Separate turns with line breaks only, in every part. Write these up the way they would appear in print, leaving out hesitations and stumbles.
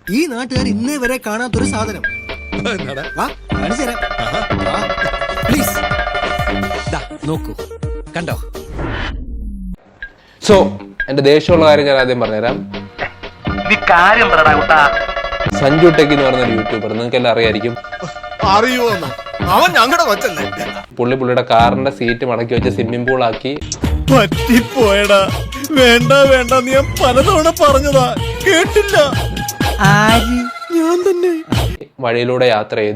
ഈ നാട്ടുകാർ ഇന്നേ വരെ കാണാത്തൊരു സാധനം. പ്ലീസ് നോക്കൂ, കണ്ടോ?
സോ എന്റെ ദേഷ്യമുള്ള കാര്യം ഞാൻ ആദ്യം പറഞ്ഞുതരാം. സഞ്ജു ടെക് എന്ന് പറഞ്ഞൊരു യൂട്യൂബർ, നിങ്ങൾക്ക് എല്ലാം അറിയായിരിക്കും.
അവൻ ഞങ്ങളുടെ കൊച്ചല്ലേ.
പുള്ളിയുടെ കാറിന്റെ സീറ്റ് മടക്കി വെച്ച് സ്വിമ്മിംഗ് പൂൾ ആക്കി.
പറ്റിപ്പോയടാ, വേണ്ട വേണ്ട, നീ പലതവണ പറഞ്ഞതാ, കേട്ടില്ല. ഞാൻ തന്നെ
വഴിയിലൂടെ യാത്ര ചെയ്തു.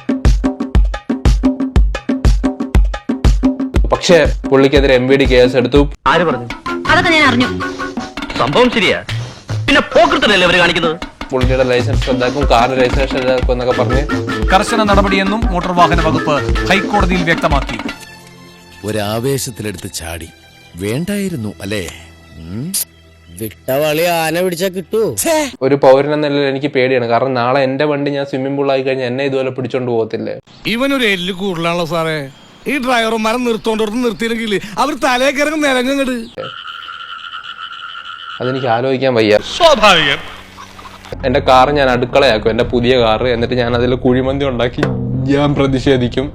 പക്ഷെ പുള്ളിക്കെതിരെ MVD കേസ് എടുത്തു.
ആര് പറഞ്ഞു? അതൊക്കെ ഞാൻ അറിഞ്ഞു. സംഭവം ശരിയാ, പിന്നെ പോക്കൃത്തല്ലേ അവര് കാണിക്കുന്നത്.
പുള്ളിയുടെ ലൈസൻസ് റദ്ദാക്കും, കാറിന്റെ ലൈസൻസ് റദ്ദാക്കും എന്നൊക്കെ പറഞ്ഞ്
കർശന നടപടിയെന്നും മോട്ടോർ വാഹന വകുപ്പ് ഹൈക്കോടതിയിൽ വ്യക്തമാക്കി.
ഒരാവേശത്തിലെടുത്ത് ചാടി, വേണ്ടായിരുന്നു അല്ലേ?
വിട്ടവളി ആന പിടിച്ചാ കിട്ടൂ.
ഒരു പൗരൻ എന്ന നിലയിൽ എനിക്ക് പേടിയാണ്. കാരണം നാളെ എന്റെ വണ്ടി ഞാൻ സ്വിമ്മിംഗ് പൂൾ ആയി കഴിഞ്ഞാൽ എന്നെ ഇതുപോലെ പിടിച്ചോണ്ട് പോകത്തില്ലേ?
ഇവനൊരു എല്ല് കൂടുതലാണല്ലോ സാറേ. ഈ ഡ്രൈവർമാരെ നിർത്തോണ്ടോർത്ത് നിർത്തിയില്ലെങ്കിൽ അവർ തലേ കിറങ്ങും നിലങ്ങട്.
അതെനിക്ക് ആലോചിക്കാൻ വയ്യ.
സ്വാഭാവികം.
എന്റെ കാർ ഞാൻ അടുക്കളയാക്കും, എന്റെ പുതിയ കാർ. എന്നിട്ട് ഞാൻ അതിൽ കുഴിമന്തി ഉണ്ടാക്കി ഞാൻ പ്രതിഷേധിക്കും.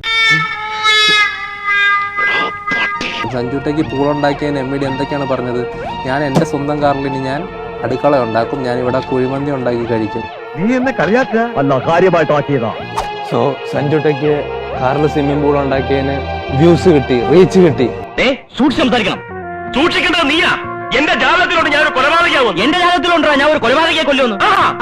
സഞ്ജുട്ടേക്ക് പൂളുണ്ടാക്കിയതിന് MVD എന്തൊക്കെയാണ് പറഞ്ഞത്? ഞാൻ എന്റെ സ്വന്തം കാറിൽ ഇനി ഞാൻ അടുക്കള ഉണ്ടാക്കും, ഞാൻ ഇവിടെ കുഴിമന്തി ഉണ്ടാക്കി കഴിക്കും.
നീ എന്നെ കളിയാക്കുക അല്ല, കാര്യമായിട്ടാക്കിയതാ.
സോ സഞ്ജുട്ടേക്ക് കാറിൽ സ്വിമ്മിംഗ് പൂൾ ഉണ്ടാക്കിയതിന് വ്യൂസ് കിട്ടി, റീച്ച് കിട്ടി.
സൂക്ഷിച്ച് സംസാരിക്കണം. സൂക്ഷിക്കേണ്ടത് നീയാ. എന്റെ ജാതകത്തിലോട്ട് ഞാൻ ഒരു കൊലപാതകയാവും. എന്റെ ജാതകത്തിലുണ്ടോ ഞാൻ ഒരു കൊലപാതകയെ കൊല്ലുന്നു?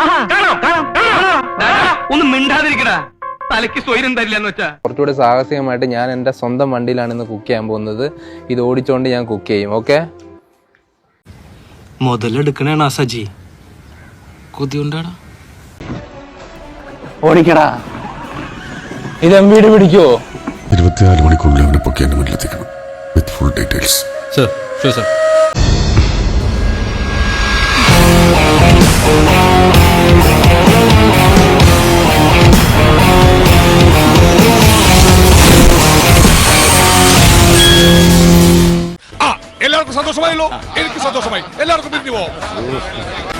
ഒന്നും മിണ്ടാതിരിക്കടാ, തലയ്ക്ക് സ്വൈര്യം തരില്ല എന്ന് വെച്ചാ.
കുറച്ചുകൂടി സാഹസികമായിട്ട് ഞാൻ എന്റെ സ്വന്തം വണ്ടിയിലാണ് ഇന്ന് കുക്ക് ചെയ്യാൻ പോകുന്നത്. ഇത് ഓടിച്ചോണ്ട് ഞാൻ കുക്ക് ചെയ്യും. ഓക്കെ,
മുതലെടുക്കണേണ സജി, കൊതിയുണ്ടാടാ.
ഓടിക്കടാ. ഇത് MVD പിടിക്കുവോ?
24 മണിക്കൂറിൽ അവനെ പൊക്കി എന്റെ മുന്നിലെത്തിക്കണം with full details.
Sir, sure sir.
എല്ലാവർക്കും സന്തോഷമായല്ലോ. എനിക്ക് സന്തോഷമായി. എല്ലാവർക്കും പിരിഞ്ഞു പോവാം.